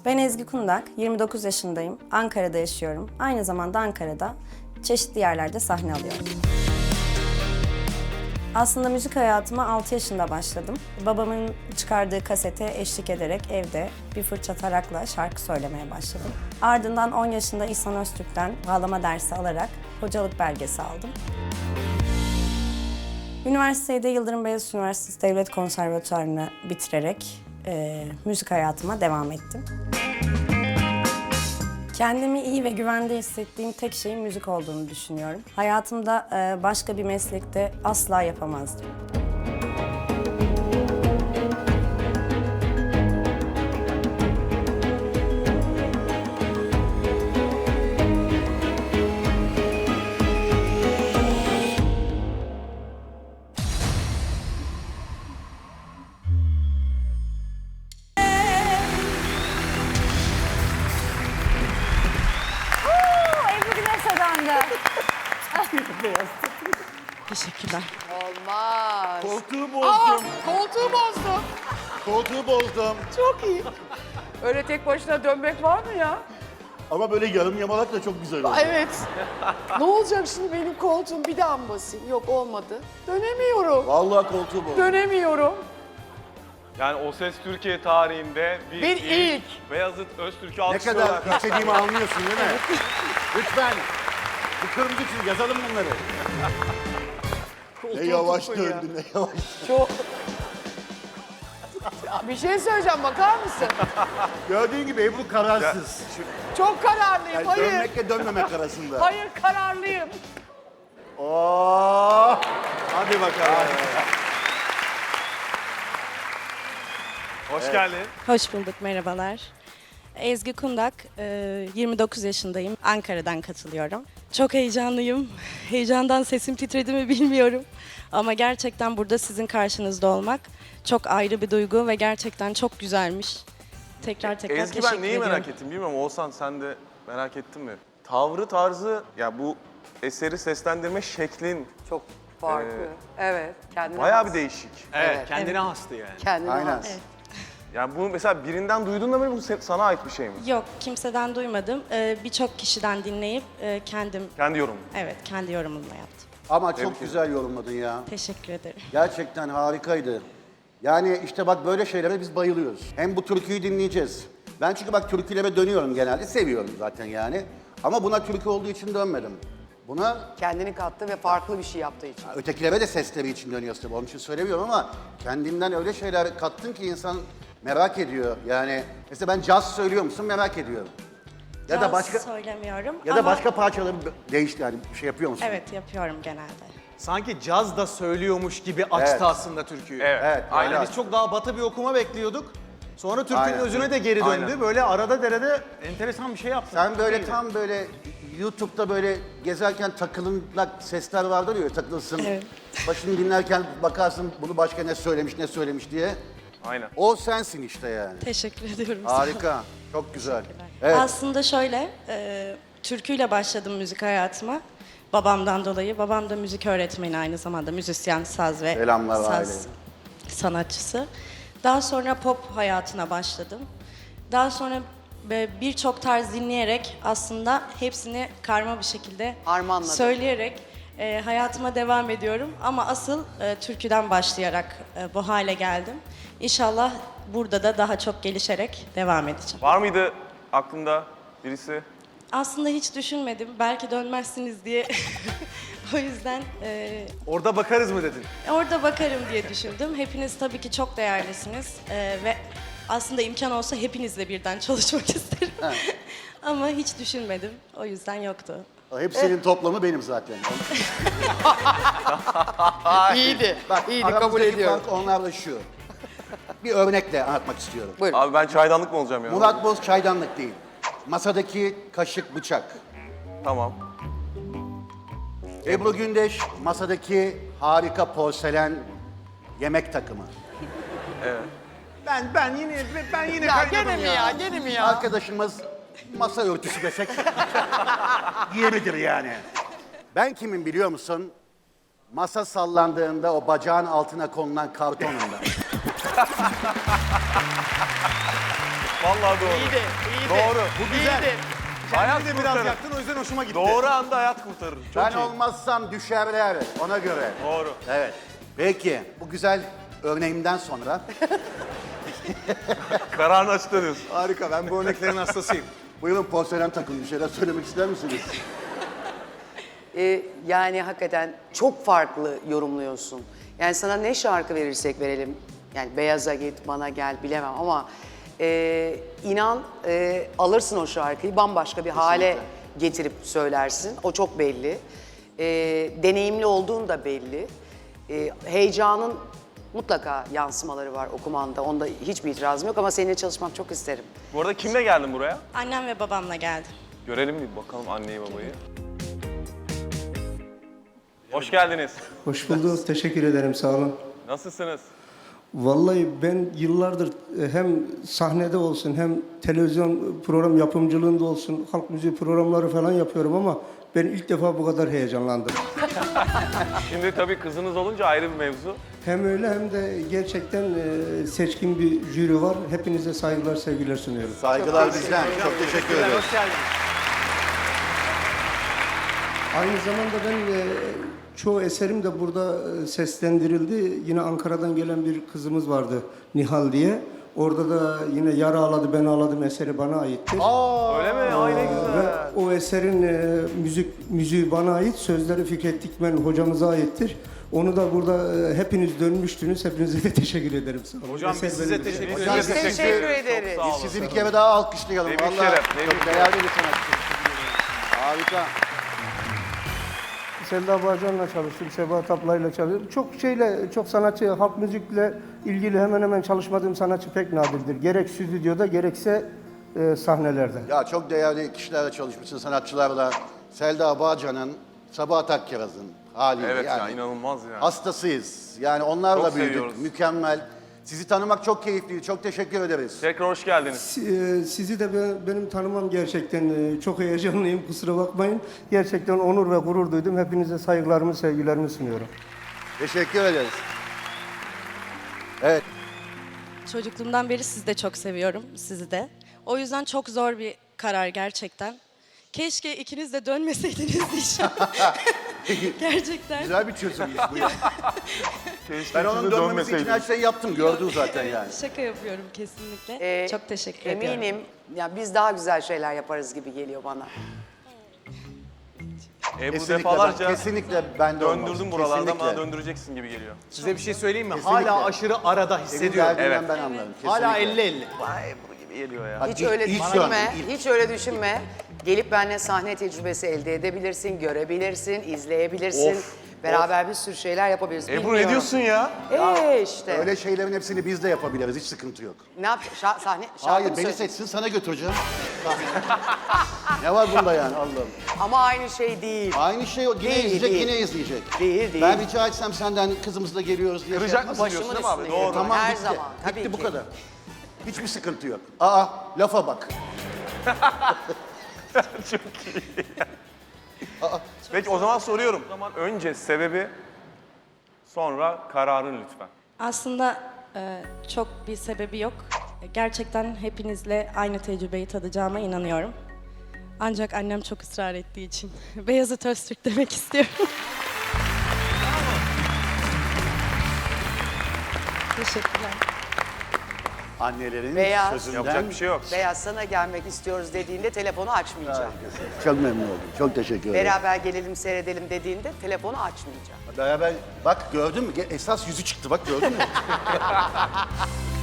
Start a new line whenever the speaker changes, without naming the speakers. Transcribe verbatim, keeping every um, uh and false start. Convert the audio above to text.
Ben Ezgi Kundak, yirmi dokuz yaşındayım. Ankara'da yaşıyorum. Aynı zamanda Ankara'da çeşitli yerlerde sahne alıyorum. Aslında müzik hayatıma altı yaşında başladım. Babamın çıkardığı kasete eşlik ederek evde bir fırça tarakla şarkı söylemeye başladım. Ardından on yaşında İhsan Öztürk'ten bağlama dersi alarak hocalık belgesi aldım. Üniversitede Yıldırım Beyazıt Üniversitesi Devlet Konservatuvarı'nı bitirerek e, müzik hayatıma devam ettim. Kendimi iyi ve güvende hissettiğim tek şeyin müzik olduğunu düşünüyorum. Hayatımda e, başka bir meslekte asla yapamazdım.
Ebru Güneş adandı.
Teşekkürler.
Olmaz.
Koltuğu
Aa,
bozdum.
koltuğu bozdum.
Koltuğu bozdum.
Çok iyi. Öyle tek başına dönmek var mı ya?
Ama böyle yarım yamalak da çok güzel oldu.
Evet. Ne olacak şimdi benim koltuğum bir daha mı basayım? Yok olmadı. Dönemiyorum.
Vallahi koltuğu bozdum.
Dönemiyorum.
Yani O Ses Türkiye tarihinde bir,
Bir ilk.
Beyazıt Öztürk'ü
Ne
alkışlıyorlar.
kadar istediğimi anlıyorsun değil mi? Lütfen. Bu kırmızı çizgi yazalım bunları. Ne yavaş
tuttun ya.
döndü, ne yavaş.
Çok... Ya bir şey söyleyeceğim, bakar mısın?
Gördüğün gibi Ebru kararsız.
Çok kararlıyım,
Yani
hayır.
dönmekle dönmemek arasında.
Hayır, kararlıyım.
Oo.
Hadi bakalım. Hoş geldin.
Hoş bulduk, merhabalar. Ezgi Kundak, e, yirmi dokuz yaşındayım. Ankara'dan katılıyorum. Çok heyecanlıyım. Heyecandan sesim titredi mi bilmiyorum. Ama gerçekten burada sizin karşınızda olmak çok ayrı bir duygu ve gerçekten çok güzelmiş. Tekrar tekrar
Ezgi
teşekkür
ben neyi
ediyorum.
merak ettim bilmiyorum. Oğuzhan sen de merak ettin mi? Tavrı tarzı, ya bu eseri seslendirme şeklin
Çok farklı. evet, kendine
bayağı
has.
bir değişik.
Evet, kendine hastı yani.
Kendine
Aynen.
has.
Yani bunu mesela birinden duydun da mı bu se- sana ait bir şey mi?
Yok, kimseden duymadım. E, Birçok kişiden dinleyip e, kendim,
Kendi yorumun.
evet kendi yorumumla yaptım.
Ama
Tebrik
çok güzel yorumladın ya.
Teşekkür ederim.
Gerçekten harikaydı. Yani işte bak böyle şeylere biz bayılıyoruz. Hem bu türküyü dinleyeceğiz. Ben çünkü bak türkülere dönüyorum genelde. Seviyorum zaten yani. Ama buna türkü olduğu için dönmedim. Buna
Kendini kattı ve farklı bir şey yaptığı için.
ötekilere de sesleri için dönüyoruz tabii. Onun için söylemiyorum ama kendimden öyle şeyler kattın ki insan merak ediyor. Yani mesela ben caz söylüyor musun merak ediyorum. Ya da
Caz
başka
söylemiyorum
ya da
ama
başka parçaları değişti yani bir şey yapıyor musun?
evet yapıyorum genelde.
Sanki caz da söylüyormuş gibi açtı
Evet.
aslında türküyü.
Evet.
Evet.
Yani
aynen.
biz çok daha batı bir okuma bekliyorduk. Sonra türkünün
Aynen.
özüne de geri döndü.
Aynen.
Böyle arada derede enteresan bir şey yaptı.
Sen böyle
Çok iyiydi.
tam böyle YouTube'da böyle gezerken takılınlak sesler vardır ya takılsın.
Evet.
Başını dinlerken bakarsın bunu başka ne söylemiş ne söylemiş diye.
Aynen.
O sensin işte yani.
Teşekkür ediyorum. sağ olun.
Harika. Çok güzel. Evet.
Aslında şöyle, e, türküyle başladım müzik hayatıma. Babamdan dolayı. Babam da müzik öğretmeni, aynı zamanda müzisyen, saz ve
Selamlar
saz
aileye.
sanatçısı. Daha sonra pop hayatına başladım. Daha sonra e, birçok tarz dinleyerek aslında hepsini karma bir şekilde
Harmanladım.
söyleyerek e, hayatıma devam ediyorum. Ama asıl e, türküden başlayarak e, bu hale geldim. İnşallah burada da daha çok gelişerek devam edeceğim.
Var mıydı aklında birisi?
Aslında hiç düşünmedim. Belki dönmezsiniz diye. O yüzden e,
Orada bakarız mı dedin?
orada bakarım diye düşündüm. Hepiniz tabii ki çok değerlisiniz. E, ve aslında imkan olsa hepinizle birden çalışmak isterim. Ama hiç düşünmedim. O yüzden yoktu.
Hepsinin toplamı benim zaten.
İyiydi.
Bak
İyiydi, kabul
aramızdaki
ediyorum.
fark onlarla şu. Bir örnekle anlatmak istiyorum.
Buyurun.
Abi ben çaydanlık mı olacağım ya?
Murat Boz çaydanlık değil. Masadaki kaşık bıçak.
Tamam.
Ebru Gündeş masadaki harika porselen yemek takımı.
Ben ben yine ben yine
Ya
kaynadım
gene mi ya, gene mi ya?
Arkadaşımız masa örtüsü desek yeridir yani. Ben kimim biliyor musun? Masa sallandığında o bacağın altına konulan kartonunda.
Vallahi doğru.
İyi de, iyi de.
Doğru.
Bu güzel.
Hayat
Kendini de biraz
kurtarır.
yaktın, o yüzden hoşuma gitti.
Doğru anda hayat kurtarır. Çok
Ben
iyi.
olmazsam düşerler ona göre.
Doğru.
Evet. Peki bu güzel örneğimden sonra
Kararını açıkladınız.
Harika, ben bu örneklerin hastasıyım.
buyurun porselen takın bir şeyler söylemek ister misiniz?
Ee, yani hakikaten çok farklı yorumluyorsun. Yani sana ne şarkı verirsek verelim. Yani beyaza git, bana gel bilemem ama e, inan e, alırsın o şarkıyı bambaşka bir hale getirip söylersin. O çok belli. E, deneyimli olduğun da belli. E, heyecanın mutlaka yansımaları var okumanda. Onda hiçbir itirazım yok ama seninle çalışmak çok isterim.
Bu arada kimle geldin buraya?
Annem ve babamla geldim.
Görelim bir bakalım anneyi babayı. Hoş geldiniz.
Hoş bulduk. Teşekkür ederim. Sağ olun.
Nasılsınız?
Vallahi ben yıllardır e, hem sahnede olsun hem televizyon program yapımcılığında olsun halk müziği programları falan yapıyorum ama ben ilk defa bu kadar heyecanlandım.
Şimdi tabii kızınız olunca ayrı bir mevzu.
Hem öyle hem de gerçekten e, seçkin bir jüri var. Hepinize saygılar, sevgiler sunuyorum.
Saygılar bizden. Çok teşekkür ederiz.
Hoş geldiniz.
Aynı zamanda ben e, çoğu eserim de burada e, seslendirildi. Yine Ankara'dan gelen bir kızımız vardı Nihal diye. Orada da yine Yara Ağladı Ben Ağladım eseri bana aittir.
Öyle mi? Ay ne güzel.
Ve o eserin e, müzik müziği bana ait, sözleri Fikret Dikmen hocamıza aittir. Onu da burada e, hepiniz dönmüştünüz. Hepinize de teşekkür ederim. Sağ olun.
Hocam biz
Eser
size
benim.
teşekkür
Biz
ederiz.
Biz teşekkür ederiz.
Çok sağ
Biz
olun.
sizi bir kere daha alkışlayalım.
Ne büyük
Vallahi
şeref, ne
çok
büyük
değerli bir sanatçı. Harika.
Selda Bağcan'la çalıştım, Sebahat ablayla çalıştım. Çok şeyle, çok sanatçı, halk müzikle ilgili hemen hemen çalışmadığım sanatçı pek nadirdir. Gerek stüdyoda gerekse e, sahnelerde.
Ya çok değerli kişilerle çalışmışsın, sanatçılarla. Selda Bağcan'ın, Sabahat Akkiraz'ın haliyle.
Evet ya
yani
inanılmaz ya.
hastasıyız. Yani onlarla
Çok
büyüdük.
seviyoruz.
Mükemmel. Sizi tanımak çok keyifliydi. Çok teşekkür ederiz.
Tekrar hoş geldiniz.
Si- e, Sizi de ben- benim tanımam gerçekten e, çok heyecanlıyım, kusura bakmayın. Gerçekten onur ve gurur duydum. Hepinize saygılarımı, sevgilerimi sunuyorum.
Teşekkür ederiz. Evet.
Çocukluğumdan beri sizi de çok seviyorum, sizi de. O yüzden çok zor bir karar gerçekten. Keşke ikiniz de dönmeseydiniz inşallah. Gerçekten.
Güzel bir çözümmüş bu ya.
Keşke
Ben onun
siz de
dönmemesi için her
dönmeseydiniz.
şeyi yaptım. Gördün zaten yani.
Şaka yapıyorum kesinlikle.
Ee,
çok teşekkür ediyorum.
Eminim ya biz daha güzel şeyler yaparız gibi geliyor bana.
Ebru
Kesinlikle,
defalarca
ben, kesinlikle ben de olmaz.
döndürdüm buralarda
Kesinlikle.
ama döndüreceksin gibi geliyor.
Size bir şey söyleyeyim mi?
Kesinlikle.
Hala aşırı arada
Senin
hissediyorum.
derdinden
Evet.
ben anlarım.
Hala
Kesinlikle.
elli elli.
Vay Ebru gibi geliyor ya.
Bak,
Hiç
ilk-
öyle
ilk
düşünme,
döndüm, ilk.
hiç öyle düşünme. Gelip benimle sahne tecrübesi elde edebilirsin, görebilirsin, izleyebilirsin.
Of,
Beraber bir sürü şeyler yapabiliriz.
Ebru
Bilmiyorum.
ne diyorsun ya?
Ee işte.
Öyle şeylerin hepsini biz de yapabiliriz. Hiç sıkıntı yok.
Ne yap? Şa- sahne, şarkı
Hayır
mı
beni
söyleyeceksin?
seçsin sana götüreceğim. Ne var bunda yani Allah'ım.
Ama aynı şey değil.
Aynı şey o. Yine
Değil,
izleyecek,
değil.
yine izleyecek.
Değil, değil.
Ben rica etsem senden kızımızla geliyoruz diye.
Kıracak
şey
mısın
yapma.
diyorsun değil mi abi?
üstüne
Doğru.
geliyor.
Tamam
Her
bitti.
zaman, tabii
bitti bu
ki.
kadar. Hiçbir sıkıntı yok. Aa lafa bak.
Çok iyi. Peki o zaman soruyorum. O zaman önce sebebi, sonra kararın lütfen.
Aslında e, çok bir sebebi yok. Gerçekten hepinizle aynı tecrübeyi tadacağıma inanıyorum. Ancak annem çok ısrar ettiği için Beyazıt Öztürk demek istiyorum. Teşekkürler.
Annelerin
Beyaz.
sözünden.
Yapacak bir şey yok.
Beyaz sana gelmek istiyoruz dediğinde telefonu açmayacağım.
Çok memnun oldum. Çok teşekkür ederim.
Beraber gelelim seyredelim dediğinde telefonu açmayacağım.
Beraber bak gördün mü? Esas yüzü çıktı bak gördün mü?